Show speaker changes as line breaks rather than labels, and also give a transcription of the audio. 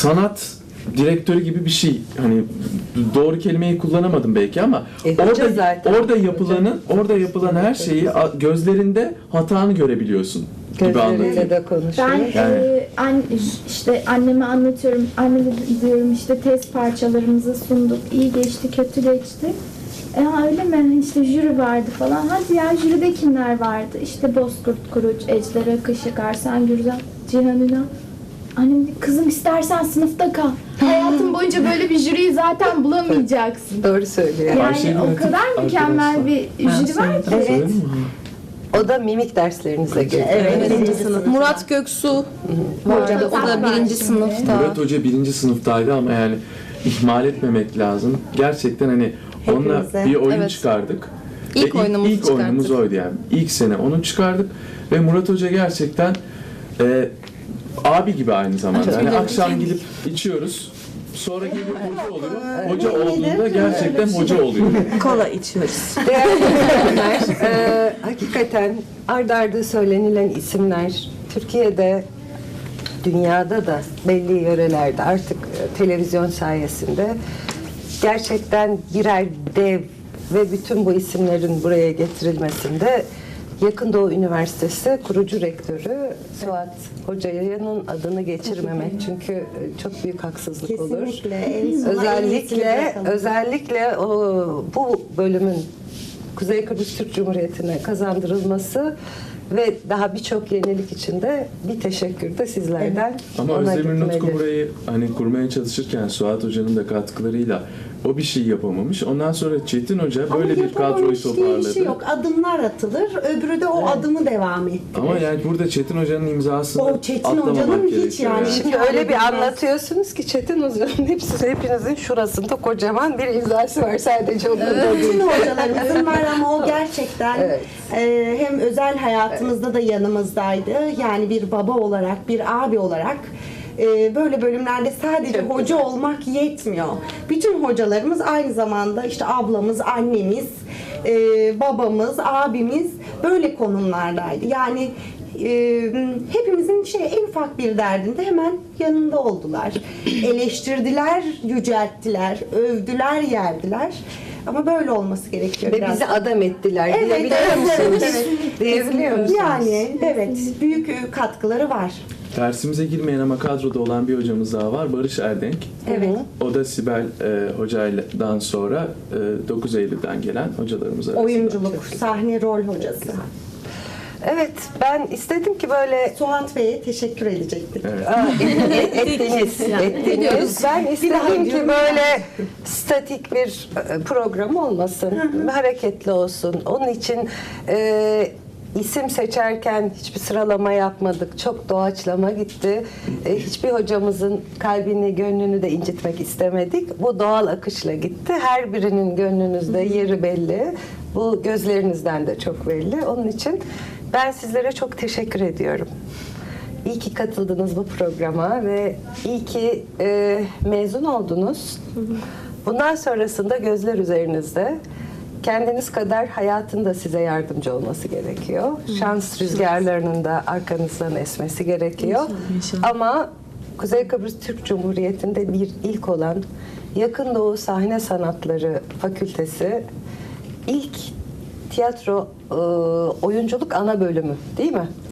sanat direktörü gibi bir şey. Hani doğru kelimeyi kullanamadım belki ama orada yapılan her şeyi gözlerinde hatanı görebiliyorsun gibi anlatıyor.
Gözleriyle de konuşuyor.
Ben işte anneme anlatıyorum. Anne diyorum işte test parçalarımızı sunduk. İyi geçti, kötü geçti. Öyle mi? İşte jüri vardı falan. Hadi ya, jüride kimler vardı? İşte Bozkurt Kuruç, Ejder Akışık, Arsen Gürcan, Cihan Ünal. Annem dedi, kızım istersen sınıfta kal. Hayatın boyunca böyle bir jüriyi zaten bulamayacaksın.
Doğru söylüyor.
Yani o kadar mükemmel bir jüri var ki.
Evet. O da mimik derslerinize geliyor.
Evet, birinci sınıf. Murat Göksu vardı. O da birinci sınıfta.
Murat Hoca 1. sınıftaydı ama yani ihmal etmemek lazım. Gerçekten hani onunla
Hepimize.
bir oyun
Evet.
çıkardık.
İlk
Ve
oyunumuzu
ilk oyunumuz
çıkarttık.
oydu yani. İlk sene onu çıkardık ve Murat Hoca gerçekten abi gibi aynı zamanda. Hani akşam gidip içiyoruz. Sonra geliyor hoca oluyor. Hoca olduğunda gerçekten hoca oluyor.
Kola içiyoruz.
Değerli dinleyenler, hakikaten ard arda söylenilen isimler Türkiye'de, dünyada da belli yörelerde artık televizyon sayesinde gerçekten birer dev ve bütün bu isimlerin buraya getirilmesinde Yakın Doğu Üniversitesi kurucu rektörü Suat Hoca'nın adını geçirmemek çünkü çok büyük haksızlık olur. Özellikle bu bölümün Kuzey Kıbrıs Türk Cumhuriyeti'ne kazandırılması ve daha birçok yenilik için de bir teşekkür de sizlerden
Ama
ona
Özdemir Nutku
gitmeli.
burayı hani kurmaya çalışırken Suat Hoca'nın da katkılarıyla o bir şey yapamamış. Ondan sonra Çetin Hoca böyle bir kadroyu toparladı.
Şey yok. Adımlar atılır. Öbürü de o adımı devam ettirir.
Ama yani burada Çetin Hoca'nın imzasını
O Çetin
atlamamak
Hoca'nın hiç
gerekiyor
yani.
Şimdi öyle bir anlatıyorsunuz ki Çetin Hoca'nın hepinizin şurasında kocaman bir imzası var sadece onun da
Bütün
değil.
hocalarımızın var ama o gerçekten
Evet.
hem özel hayatımızda da yanımızdaydı. Yani bir baba olarak, bir abi olarak böyle bölümlerde sadece
Çok
hoca olmak yetmiyor. Bütün hocalarımız aynı zamanda işte ablamız, annemiz, babamız, abimiz böyle konumlardaydı. Yani hepimizin en ufak bir derdinde hemen yanında oldular. Eleştirdiler, yücelttiler, övdüler, yerdiler. Ama böyle olması gerekiyor
Ve
biraz.
bizi adam ettiler
Evet,
diyebiliyor musunuz?
evet.
Diyebiliyor musunuz?
Yani evet, büyük katkıları var.
Dersimize girmeyen ama kadroda olan bir hocamız daha var. Barış Erdenk.
Evet.
O da Sibel Hoca'dan sonra 9 Eylül'den gelen hocalarımız arasında.
Oyunculuk, sahne rol hocası.
Evet, ben istedim ki böyle
Suat Bey'e teşekkür edecektik.
Evet.
ettiniz. Ben istedim ki böyle statik bir program olmasın, hareketli olsun. Onun için isim seçerken hiçbir sıralama yapmadık. Çok doğaçlama gitti. Hiçbir hocamızın kalbini, gönlünü de incitmek istemedik. Bu doğal akışla gitti. Her birinin gönlünüzde yeri belli. Bu gözlerinizden de çok belli. Onun için ben sizlere çok teşekkür ediyorum. İyi ki katıldınız bu programa ve iyi ki mezun oldunuz. Bundan sonrasında gözler üzerinizde. Kendiniz kadar hayatın da size yardımcı olması gerekiyor. Şans rüzgarlarının da arkanızdan esmesi gerekiyor. Ama Kuzey Kıbrıs Türk Cumhuriyeti'nde bir ilk olan Yakın Doğu Sahne Sanatları Fakültesi ilk tiyatro oyunculuk ana bölümü değil mi?